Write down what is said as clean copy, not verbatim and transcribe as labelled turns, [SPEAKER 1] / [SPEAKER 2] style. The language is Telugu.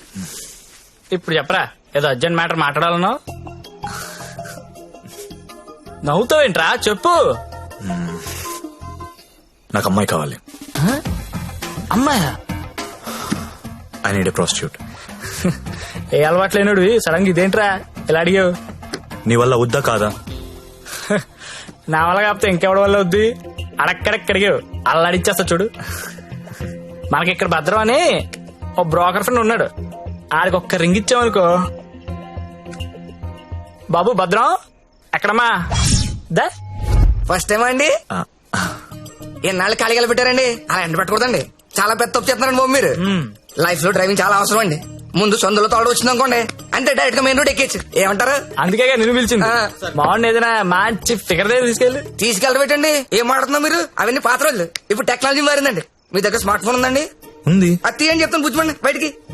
[SPEAKER 1] ఇప్పుడు చెప్పరా, ఏదో అర్జెంట్ మ్యాటర్ మాట్లాడాలనో. నవ్వుతావేంట్రా, చెప్పు.
[SPEAKER 2] నాకు అమ్మాయి కావాలి.
[SPEAKER 1] అమ్మాయా?
[SPEAKER 2] I need a prostitute.
[SPEAKER 1] ఏ అలవాట్లేనుడు సడన్ గా ఇదేంట్రా ఇలా అడిగావు?
[SPEAKER 2] నీ వల్ల వద్దా కాదా?
[SPEAKER 1] నా వల్ల కాకపోతే ఇంకెవడి వల్ల వద్దు. అడక్కడక్కడిగావు, అల్లాడిచ్చేస్తా చూడు. మనకి ఇక్కడ భద్రం అని ఓ బ్రోకర్ ఫ్రెండ్ ఉన్నాడు, ఆడికి ఒక్క రింగ్ ఇచ్చామనుకో. బాబు భద్రం ఎక్కడమ్మా? దా.
[SPEAKER 3] ఫస్ట్ టైం అండి? ఎన్నాళ్ళు ఖాళీగా పెట్టారండి, అలా ఎండ పెట్టకూడదండి. చాలా పెద్ద తప్పు చేస్తున్నారండి బాబు మీరు. లైఫ్ లో డ్రైవింగ్ చాలా అవసరం అండి. ముందు సొందులో తోడు వచ్చింది అనుకోండి, అంతే డైరెక్ట్ గా మెయిన్ రోడ్ ఎక్కేచ్చు. ఏమంటారు?
[SPEAKER 1] అందుకే నిన్ను పిలిచింది. బాగుంది, ఏదైనా మంచి ఫిగర్ దగ్గర
[SPEAKER 3] తీసుకెళ్ళి పెట్టండి. ఏం మాడుతున్నా మీరు? అవన్నీ పాత రోజులు. ఇప్పుడు టెక్నాలజీ మారిందండి. మీ దగ్గర స్మార్ట్ ఫోన్ ఉందండి?
[SPEAKER 2] ఉంది.
[SPEAKER 3] అది తీయండి చెప్తాను, పుచ్చుకోండి బయటికి.